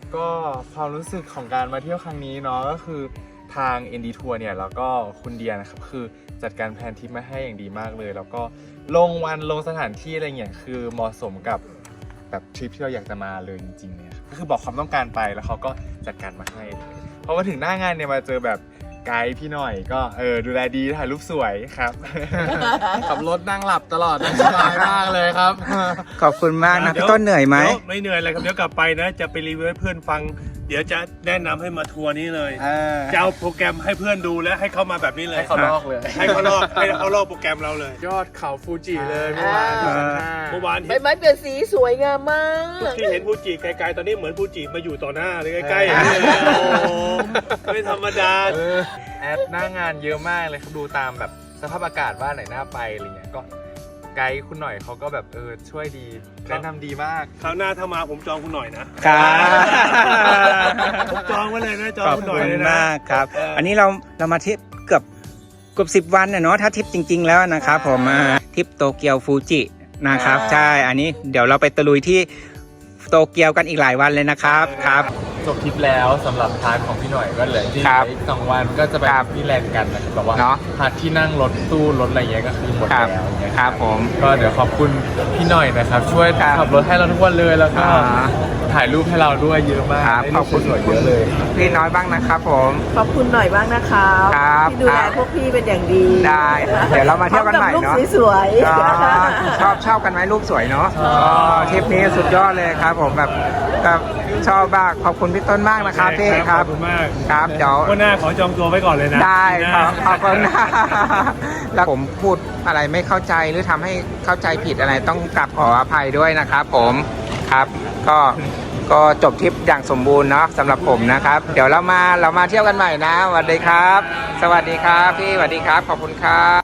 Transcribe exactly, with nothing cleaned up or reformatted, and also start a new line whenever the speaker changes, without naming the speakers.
ก็ความรู้สึกของการมาเที่ยวครั้งนี้เนาะก็คือทาง เอ็น ดี Tour เนี่ยแล้วก็คุณเดียนะครับคือจัดการแผนทริปมาให้อย่างดีมากเลยแล้วก็ลงวันลงสถานที่อะไรเงี้ยคือเหมาะสมกับแบบทริปที่เราอยากจะมาเลยจริงๆเนี่ยก็คือบอกความต้องการไปแล้วเขาก็จัดการมาให้พอมาถึงหน้างานเนี่ยมาเจอแบบไกด์พี่หน่อยก็เออดูแลดีถ่ายรูปสวยครับ
ขับรถนั่งหลับตลอดสบายมากเลยครับ
ขอบคุณมากนะพี่ต้นเหนื่อยไหม
ดี๋วไม่เหนื่อยเลยครับเดี๋ยวกลับไปนะจะไปรีวิวให้เพื่อนฟังเดี๋ยวจะแนะนำให้มาทัวร์นี้เลยจะเอาโปรแกรมให้เพื่อนดูและให้เข้ามาแบบนี้เลย
ให้เขาลอกเลย
ให้เขาลอกให้เขาลอกโปรแกรมเราเลย
ยอดเขาฟูจิเลยเมื่อวาน
อ่า
เมื่อวาน
ใบไม้เปลี่ยนสีสวยงามมาก
ที่เห็นฟูจิไกลๆตอนนี้เหมือนฟูจิมาอยู่ต่อหน้าเลยใกล้ๆอย่างนี้เลยโอ้โหไม่ธรรมดา
เออแอดหน้างานเยอะมากเลยครับดูตามแบบสภาพอากาศว่าไหนน่าไปอะไรเงี้ยก็ไกด์คุณหน่อยเขาก็แบบเออช่วยดีแนะนำดีมาก
คราวหน้าถ้ามาผมจองคุณหน่อยนะครับผมจองไว้เลยนะจอง
ขอบ
คุณหน่
คุ
อย
ณ
เลยนะ
มากครับ
เอออั
อันนี้เราเรามาทริปเกือบเกือบสิบวันนะเนาะถ้าทริปจริง ๆ แล้วนะครับผมอ่าทริปโตเกียวฟูจินะครับใช่อันนี้เดี๋ยวเราไปตะลุยที่โตเกียวกันอีกหลายวันเลยนะครับครับ
จบทริปแล้วสำหรับพาร์ทของพี่หน่อยก็เหลือที่
ครับ
อีกสองวันก็จะไป
ครับ
ที่แลนด์กันนะครับแต่ว่า
เนาะ
พาร์ทที่นั่งรถตู้รถอะไรเงี้ยก็คือหมด
ครับ
แล้วอย่างเงี้ย
ครับผม
ก็เดี๋ยวขอบคุณพี่หน่อยนะครับ ช่วย
ครับ
ขับรถให้เราทุกวันเลยแล้วก็
อ่า
ถ่ายรูปให้เราด้วยเยอะมาก
ครับ
ได้
ข
รู
อบ
ป
คุณ
สวยๆเยอะเลย
พี่น้อยบ้างนะครับผม
ขอบคุณหน่อยบ้างนะคะ
ครับ
ที่ดูแลพวกพี่เป็นอย่างดี
ได้เดี๋ยวเรามาเที่ยวกันใหม่
พร้อ
เนาะ
บรูปสวย
อ๋อ
ๆ
ชอบชอบกันไหมรูปสวยเนาะ
ชอบ
อ๋อทริปนี้สุดยอดเลยครับ ผมแบบแบบชอบมากขอบคุณพี่ต้นมากนะครับพี่ค
ข
รั
อ
บบ
คุณมาก
ครับเดี๋ยว
วันหน้าขอจองตัวไว้ก่อนเลยนะ
ได้ครับ
นะ
ขอบคุณนะแล้วผมพูดอะไรไม่เข้าใจหรือทำให้เข้าใจผิดอะไรต้องกลับขออภัยด้วยนะครับผมครับก็ก็จบทริปอย่างสมบูรณ์เนาะสำหรับผมนะครับ เดี๋ยวเรามาเรามาเที่ยวกันใหม่นะสวัสดีครับ สวัสดีครับพี่สวัสดีครับขอบคุณครับ